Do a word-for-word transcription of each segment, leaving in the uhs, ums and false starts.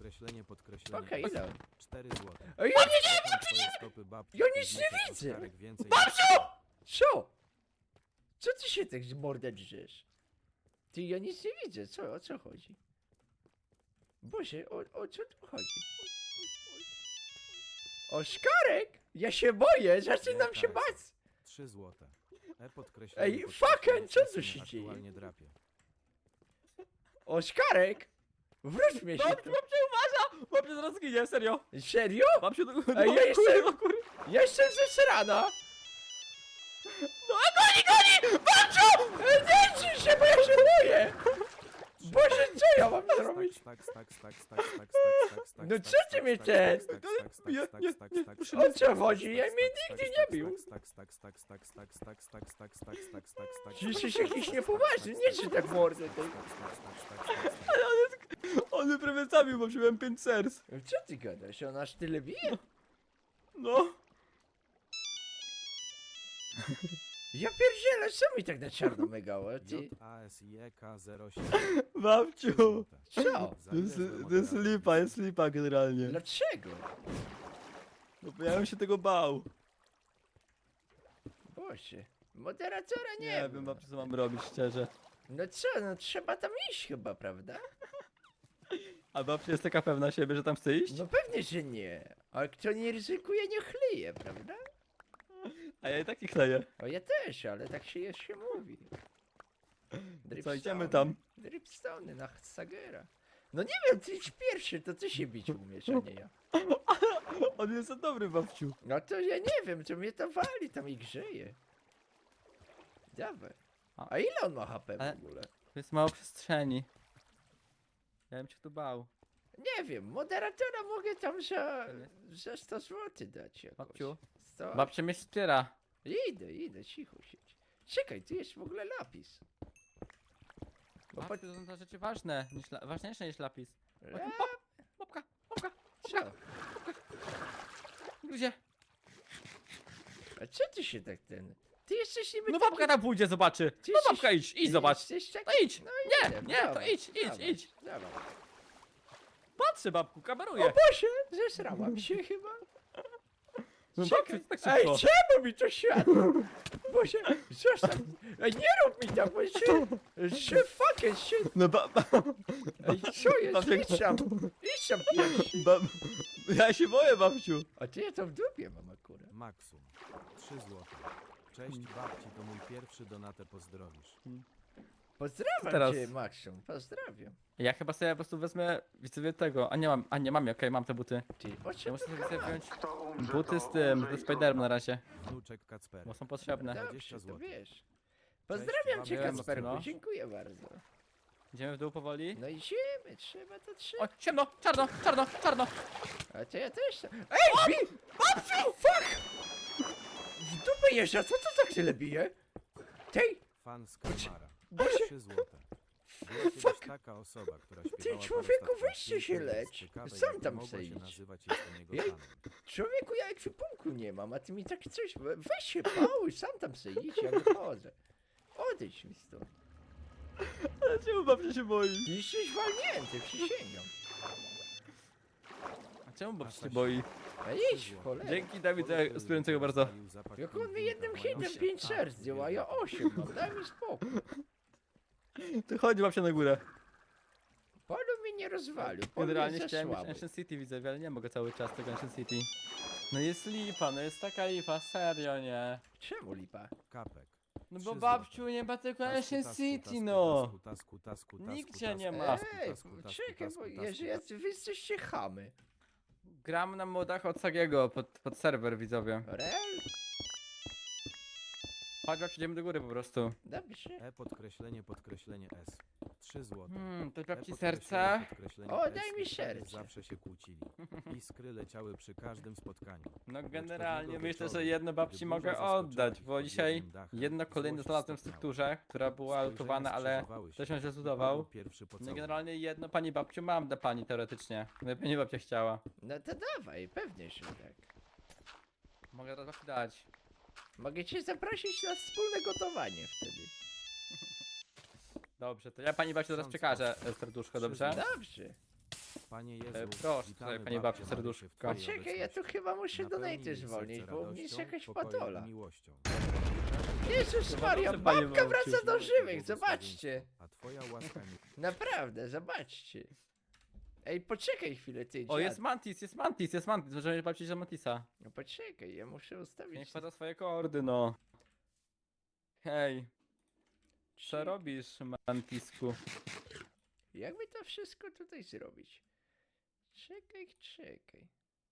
podkreślenie, podkreślenie. Okej, ile? cztery złote. Ej, ja nie, Czekam twoje stopy, babci, Ja nic ty nie wiecie, widzę. Oskarek, więcej Babciu! Co? Co ty się tak z mordę drzesz? Ty, ja nic nie widzę, co, o co chodzi? Boże, o, o co tu chodzi? Oskarek! Ja się boję, zaczynam się bać! trzy złote. E podkreślenie. Ej, podkreślenie, fucking, co tu syn się dzieje? aktualnie drapie. Oskarek! Wróć mnie się Babciu, tu. babciu, uważa! Babciu zaraz zginie, serio! Serio? Babciu, do góry, Ej, ja jestem- do góry! Ja jestem zesrana! No, a goni, goni! Babciu! Ej, nie drzyj się, bo ja się boję! Boże, co ja mam zrobić? Tak, tak, tak, tak, tak, tak, tak, tak, tak, No tak, co ty tak, mnie tak, ten? tak, tak, tak, Nie, tak, nie, tak, nie, tak, proszę tak, O tak, co tak, chodzi? tak, Ja tak, mnie tak, nigdy tak, nie tak, bił. tak, tak, tak, tak, tak, tak, tak, tak, tak, tak, tak, tak, tak, tak, Ty tak, jesteś jakiś niepoważny, nie czy tak mordę tej. On mnie prawie zabił, bo miałem pięć serc. Co ty gadasz? On aż tyle bije? No. Ja pierdzielę, co mi tak na czarno megało? Ty, J A S I E K zero siedem. Babciu! co? Za To ile jest, złe to jest moderaty? lipa, jest lipa generalnie. Dlaczego? No bo ja bym się tego bał. Boże, moderatora nie, Nie ma. wiem, babciu, co mam robić, szczerze. No co, no trzeba tam iść chyba, prawda? A babcia jest taka pewna siebie, że tam chce iść? No pewnie, że nie. A kto nie ryzykuje, nie chleje, prawda? A ja i tak nie kleję. O ja też, ale tak się jeszcze mówi. Co, idziemy Dripstone. tam? Dripstone na Sagera. No nie wiem, ty idź pierwszy, to ty się bić umiesz, a nie ja. On jest za dobry, babciu. No to ja nie wiem, to mnie to wali tam i grzeje. Dawaj. A ile on ma H P w Ale- ogóle? To jest mało przestrzeni. Ja bym się tu bał. Nie wiem, moderatora mogę tam za, za sto złotych dać jakoś. Babciu? sto? Babcia mnie wspiera. Idę, idę, cicho siedź. Czekaj, tu jest w ogóle lapis. Bo po... Babciu, to są to rzeczy ważne, niż la... ważniejsze niż lapis. La... Babka, babka, Co? gdzie? A co ty się tak ten... Ty jesteś niby No taki- babka tam pójdzie, zobaczy. Ty No jesteś- babka idź, idź ty zobacz. jesteś taki- No idź. No Nie, idę, nie, to dawaj, idź, idź, dawaj, idź. Dawaj. Patrzę babku, O kameruję. Boże, zesrałam się chyba. No Czekaj. babciu, tak Ej, szybko. czemu mi to światło? Boże, zostaw. Ej, nie rób mi tak, bo się... się fucking się... No ba, ba, Ej, co jest? Babcia- Idź tam, idź tam pierwszy. ba, ja się boję, babciu. A ty ja to w dupie mam akurat. Maksum. trzy złote. Cześć babci, to mój pierwszy donatę, pozdrowisz. Pozdrawiam Teraz. cię, Maxium, pozdrawiam. Ja chyba sobie po prostu wezmę widzowie tego, a nie mam, a nie mam, okej, mam te buty. Ty, o Ja czym muszę tu sobie sobie gadasz? wziąć buty z tym, ze Spiderem na razie, Wnuczek Kacper. bo są potrzebne. dwadzieścia Dobrze, to złotych. wiesz. Pozdrawiam cię, babcia. Kacperku, No. dziękuję bardzo. Idziemy w dół powoli. No idziemy, trzeba to trzeba. O, ciemno, czarno, czarno, czarno. A to ja też. Ej, bi! Babciu! Fuck! W dupę jeżdża, co to tak tyle bije? Tej! Fan z Kalmara. Boże! trzy złote. Była kiedyś taka osoba, która śpiewała człowieku, parę weźcie się statków lecz. ciekawe, Sam jak tam mogło se się idź. nazywać, jestem jego Jej. fanem. Człowieku, ja ekwipunku nie mam, a ty mi tak coś... Weź się pałuj, sam tam se idź, ja wychodzę. Odejdź mi stąd. Ale czemu babcia się boi? Ty jesteś walnięty, przysięgam. A czemu babcia się boi? A idź, cholera. Dzięki Dawid za wspierającego bardzo. Jak on mi jednym hitem pięć serc zdjął, a ja osiem mam, daj mi spokój. To chodź babcia na górę. Polu mi nie rozwalił, polu Generalnie jest za chciałem mieć słaby. Ancient City widzowie, ale nie mogę cały czas tego Ancient City. No jest lipa, no jest taka lipa, serio nie. Czemu lipa? Kapek. No Trzy bo babciu złote. nie ma tylko Tasku, Ancient tasku, City tasku, no. tasku, tasku, tasku, tasku, Nigdzie tasku, nie ma. tasku, Ej, tasku, tasku, czekaj, tasku, bo tasku, jeżeli jacy wy jesteście chamy. Gram na modach od Sagiego pod, pod serwer widzowie. Real? Chodź babciu, idziemy do góry po prostu. Dobrze. E podkreślenie, podkreślenie S. trzy złote. Hmm, to E babci podkreślenie, serce. podkreślenie O, S. daj mi I prawie serce. Zawsze się kłócili. Iskry leciały przy każdym spotkaniu. No Lecz generalnie pewnego myślę, że wieczoru, jedno gdy babci burza mogę zaskoczyła oddać, ich bo pod dzisiaj jednym dachem, jedno kolejne złość znalazłem w stopniała. strukturze, która była Spojrzenia lutowana, ale skrzyżowały się. ktoś ją źle Wypadł zlutował. pierwszy No i pocałunek. generalnie jedno pani babciu mam dla pani teoretycznie. Gdyby nie babcia chciała. No to dawaj, pewnie, że tak. Mogę teraz babci dać. Mogę cię zaprosić na wspólne gotowanie wtedy. Dobrze, to ja pani babci teraz Sąd przekażę sposób. e, serduszko, Trzy dobrze? złote. Dobrze. Panie Jezu, E, proszę, witamy tutaj, pani babcię babciu, Marysię w serduszko. Twojej Poczekaj, ja tu obecności. chyba muszę Napełnij donaty jej serce zwolnić, bo u mnie jest radością, jakaś pokojem padola. i miłością. Jezus Chyba Maria, dobrze, panie babka babciu. wraca do żywych, zobaczcie. A twoja łaska mi... Naprawdę, zobaczcie. Ej, poczekaj chwilę, ty, O, dziad. jest mantis, jest mantis, jest mantis. Możemy babci za mantisa. No poczekaj, ja muszę ustawić... Niech pada swoje kordy, no. Hej, co robisz, mantisku? Jakby to wszystko tutaj zrobić? Czekaj, czekaj.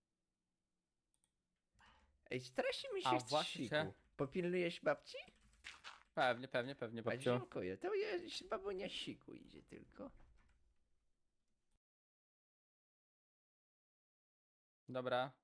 Ej, strasznie mi się A chce właśnie. siku. Popilnujesz babci? Pewnie, pewnie, pewnie, A babciu. dziękuję, to jest babunia siku idzie tylko. Dobra.